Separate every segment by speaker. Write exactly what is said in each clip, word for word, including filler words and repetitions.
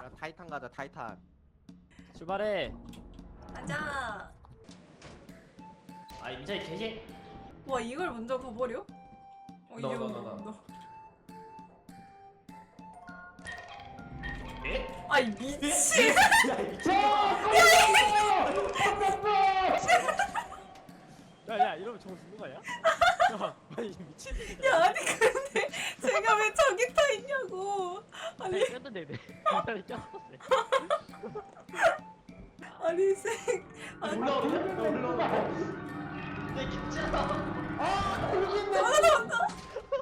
Speaker 1: 야 타이탄 가자 타이탄.
Speaker 2: 출발해.
Speaker 3: 가자.
Speaker 2: 아 임자이 개개.
Speaker 3: 와 이걸 먼저 가버려? 어
Speaker 2: 너,
Speaker 3: 이거
Speaker 2: 너, 너, 너.
Speaker 3: 너.
Speaker 2: 에?
Speaker 3: 아이 미친.
Speaker 2: 야야 이러면 저거 죽는 거 아니야? 야 아니 미친.
Speaker 3: 야 아니 근데 제가 왜 저기 타 있냐고. 아니
Speaker 2: 꼈는데 내 임자이 꼈었어.
Speaker 3: 아니 생. 아니
Speaker 2: 올라오네. 올라오네. 내 김치다.
Speaker 3: 아 나왔다.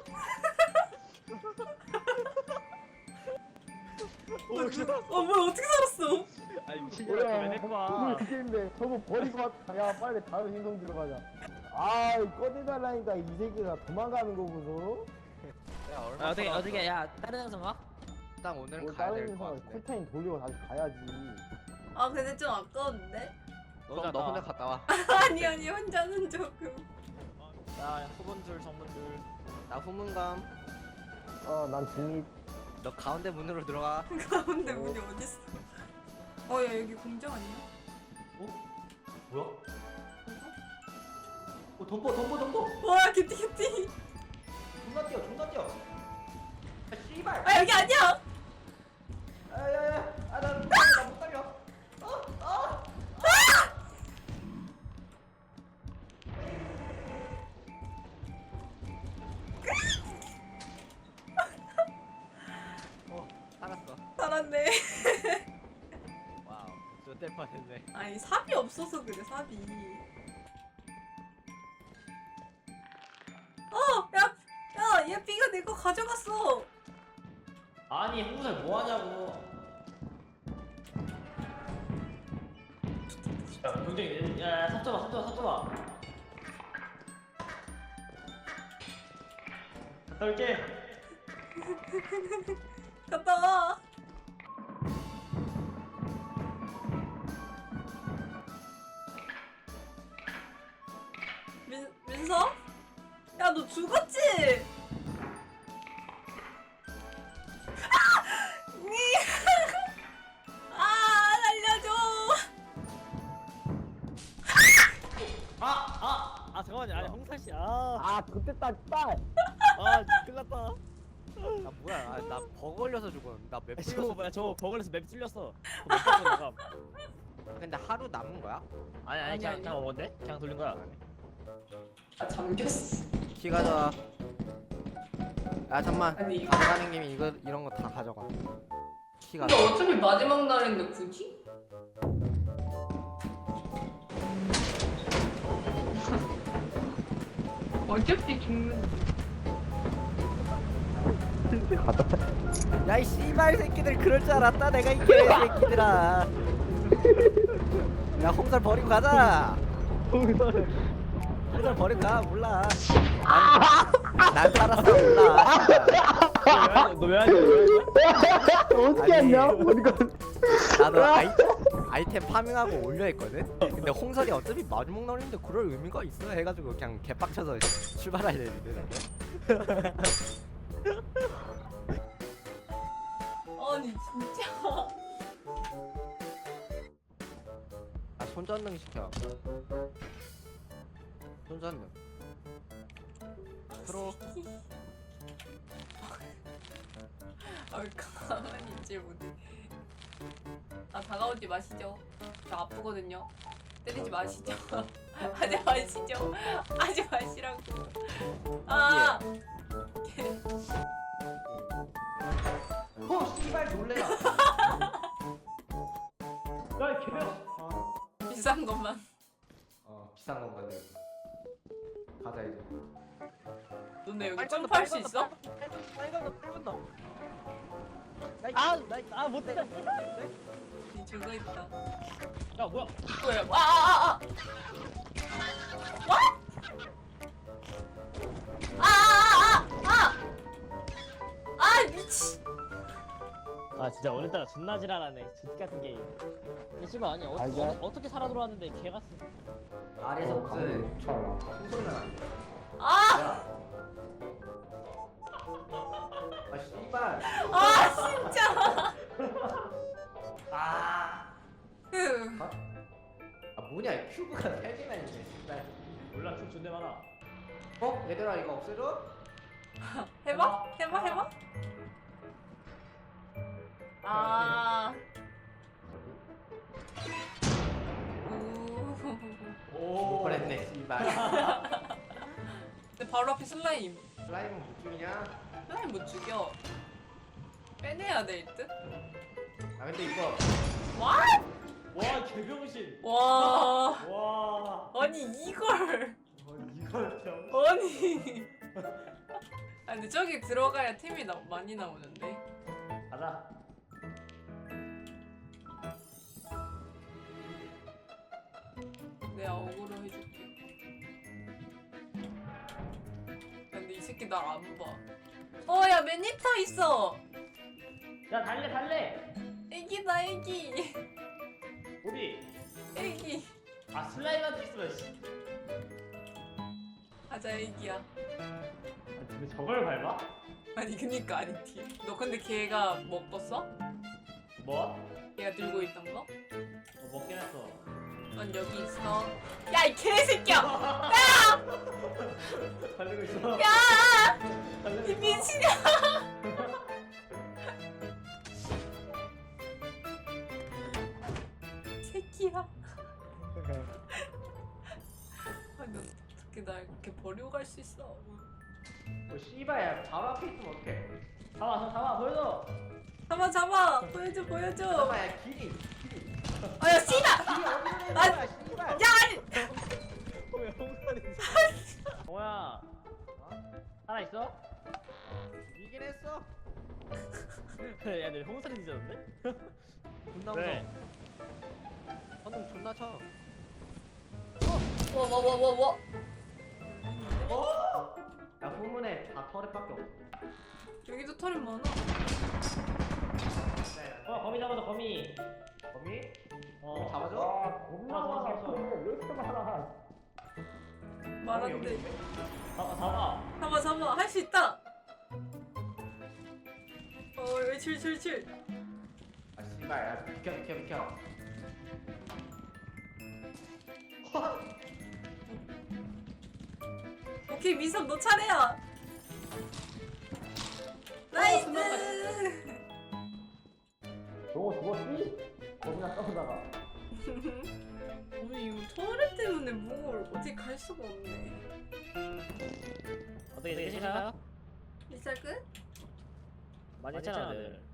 Speaker 3: 어 뭐야 어떻게 살았어?
Speaker 2: 아니 미친년아 왜 내꺼?
Speaker 4: 이게인데 저거 버리고 왔다. 야 빨리 다른 행성 들어가자. 아 꺼내달라니까 이 새끼가 도망가는 거고서.
Speaker 1: 야 얼마
Speaker 2: 아, 어떻게
Speaker 1: 걸었어?
Speaker 2: 어떻게 야 다른 행성 가?
Speaker 1: 일단 오늘은
Speaker 4: 뭐
Speaker 1: 가야
Speaker 4: 다른
Speaker 1: 될 것
Speaker 4: 행성을
Speaker 1: 같은데.
Speaker 4: 쿨타임 돌리고 다시 가야지.
Speaker 3: 아 근데 좀 아까운데?
Speaker 1: 그럼 너 혼자 갔다 와.
Speaker 3: 아니 아니 혼자는 조금.
Speaker 2: 야 후분줄 정문줄.
Speaker 1: 나 후문감.
Speaker 4: 어난 중립.
Speaker 1: 너 가운데 문으로 들어가.
Speaker 3: 가운데 문이 어딨어? 어 야 여기 공장 아니야?
Speaker 2: 뭐야? 어 덤보 덤보 덤보.
Speaker 3: 와 개띠 개띠.
Speaker 2: 존나 뛰어 존나 뛰어. 아 씨발.
Speaker 3: 아 여기 아니야.
Speaker 2: 야야야. 아나나못 달려. 어 어.
Speaker 1: 어 살았어.
Speaker 3: 살았네.
Speaker 1: 와우. 저때 뻔했네.
Speaker 3: 아니 삽이 없어서 그래 삽이. 어, 야, 야, 얘 B가 내 거 가져갔어.
Speaker 2: 아니 홍살 뭐 하냐고. 야 경쟁이 야야 삽잡아 삽잡아 삽잡아. 갔다 올게.
Speaker 3: 갔다 와. 민 민서? 야, 너 죽었지? 아! 니! 아, 살려줘.
Speaker 2: 아아아 아, 잠깐만요. 아니 홍살 씨. 아.
Speaker 4: 아 그때 딱 딸.
Speaker 2: 아 끝났다.
Speaker 1: 아 뭐야? 아, 나 버거 걸려서 죽었는데. 나맵
Speaker 2: 저거
Speaker 1: 풀려서.
Speaker 2: 뭐야 저거 버글에서 맵 뚫렸어. 맵 뚫렸어.
Speaker 1: 근데 하루 남은 거야?
Speaker 2: 아니 아니
Speaker 3: 아니,
Speaker 2: 그냥
Speaker 3: 아니.
Speaker 2: 그냥 원데? 그냥 돌린 거야.
Speaker 3: 아, 잠겼어.
Speaker 1: 키 가져와. 야 잠만.
Speaker 3: 아니, 이거-
Speaker 1: 가져가는 김에 이거 이런 거 다 가져가. 키
Speaker 3: 근데
Speaker 1: 가져.
Speaker 3: 어차피 마지막 날인데 굳이? 어차피 죽는.
Speaker 1: 야이 씨발 새끼들 그럴 줄 알았다 내가 이 개새끼들아. 야 홍살 버리고 가자. 홍살 버리고 가. 몰라. 난, 난 살았어. 몰라.
Speaker 2: 너왜 하냐?
Speaker 4: 어떻게
Speaker 1: 아니.
Speaker 4: 했냐? 어디가?
Speaker 1: 나도 아이, 아이템 파밍하고 올려 했거든? 근데 홍설이 어차피 마지막 날인데 그럴 의미가 있어 해가지고 그냥 개빡쳐서 출발해야 되는데 나도.
Speaker 3: 아니 진짜.
Speaker 1: 아 손전등 시켜. 손전등 프로.
Speaker 3: 아, 왜 가만히 있질 못해. 아 다가오지 마시죠. 저 아프거든요. 때리지 마시죠. 하지 마시죠. 하지 마시라고. 아.
Speaker 2: 어 씨발 놀래라. 야 개야.
Speaker 3: 비싼 것만.
Speaker 1: 어 비싼 건 건데. 가자 이제.
Speaker 3: 너네 여기 점프할 수 있어?
Speaker 2: 아나아 못해.
Speaker 3: 니 저거 있다.
Speaker 2: 야 뭐야?
Speaker 3: 뭐야? 아, 아, 아, 아. 와? 아, 아, 아, 아. 아, 미치.
Speaker 2: 아 진짜 오늘따라 존나 지랄하네. 집 같은 게임. 근데 씨발 아니 어,
Speaker 4: 알죠?
Speaker 2: 어, 어떻게 살아 들어왔는데 개 같은. 아래에서 무슨
Speaker 4: 쳐.
Speaker 2: 소리가 나.
Speaker 3: 아,
Speaker 2: 아 씨발.
Speaker 3: 아, 진짜.
Speaker 1: 뭐냐 큐브가 세 개나 있네 진짜.
Speaker 2: 몰라 춤 존대 많아.
Speaker 1: 어? 얘들아 이거 없애줘?
Speaker 3: 해봐? 해봐 해봐? 아. 오.
Speaker 2: 오.
Speaker 1: 그랬네 씨발.
Speaker 3: 근데 바로 앞에 슬라임.
Speaker 1: 슬라임은 못 죽이냐?
Speaker 3: 슬라임 못 죽여. 빼내야 될 듯?
Speaker 1: 아 근데 이거
Speaker 3: 와?
Speaker 2: 와 개병신.
Speaker 3: 와.
Speaker 2: 와.
Speaker 3: 아니 이걸.
Speaker 2: 어, 이걸 병.
Speaker 3: 아니. 아 근데 저기 들어가야 템이 나, 많이 나오는데.
Speaker 2: 가자.
Speaker 3: 내가 어그로 해줄게. 근데 이 새끼 날 안 봐. 어, 야, 매니터 있어!
Speaker 2: 야 달래 달래.
Speaker 3: 애기다, 애기.
Speaker 2: 어디?
Speaker 3: 애기.
Speaker 2: 아 슬라임한테 있으면 씨.
Speaker 3: 가자, 애기야.
Speaker 2: 아, 근데 저걸 밟아?
Speaker 3: 아니, 그니까, 아니, 티. 너 근데 걔가 먹었어?
Speaker 2: 뭐?
Speaker 3: 걔가 들고 있던 거?
Speaker 2: 어, 먹긴 했어.
Speaker 3: 넌 여기 있어. 야, 이 개새끼야!
Speaker 2: 달리고 있어.
Speaker 3: 야!
Speaker 2: 달리고
Speaker 3: 이
Speaker 2: 있어.
Speaker 3: 미친년! 새끼야. 아니, 어떻게 날 이렇게 버리고 갈 수 있어?
Speaker 1: 뭐 씨발야 바로 앞에 있으면 어떡해.
Speaker 2: 잡아 잡아 보여줘.
Speaker 3: 잡아, 잡아! 보여줘, 보여줘!
Speaker 1: 잠깐만 야 길이 길이
Speaker 3: 아, 야, 씨발!
Speaker 1: 길이 어디로 내는
Speaker 3: 아,
Speaker 1: 거야 씨발.
Speaker 3: 야, 아니!
Speaker 2: 왜 홍선이? 동호야. 하나 있어?
Speaker 1: 이긴 했어.
Speaker 2: 야, 내 홍선이 뒤졌는데?
Speaker 1: 존나
Speaker 2: 왜?
Speaker 1: 무서워. 방금 존나 쳐.
Speaker 3: 와, 와, 와, 와, 와.
Speaker 1: 야 후문에 다 터렛밖에 없어.
Speaker 3: 여기도 털이 많아.
Speaker 2: 어, 거미 잡아서 거미.
Speaker 1: 거미?
Speaker 2: 어.
Speaker 1: 잡아줘?
Speaker 4: 아 겁나
Speaker 2: 잡아,
Speaker 4: 많아.
Speaker 2: 잡아, 잡아.
Speaker 4: 왜 이렇게 많아?
Speaker 3: 말한데.
Speaker 2: 잡아, 잡아.
Speaker 3: 잡아, 잡아. 할 수 있다. 어, 여기 칠, 칠, 칠.
Speaker 1: 아 씨발 야 비켜 비켜 비켜.
Speaker 3: 오케이, 민섭 너 차례야. 나이스.
Speaker 4: 저거 죽었지? 겁나 싸우다가.
Speaker 3: 아니 이거 터렛 때문에 뭘 어떻게 갈 수가 없네.
Speaker 2: 어떻게 되시나요?
Speaker 3: 리사 끝?
Speaker 2: 많이 했잖아, 늘.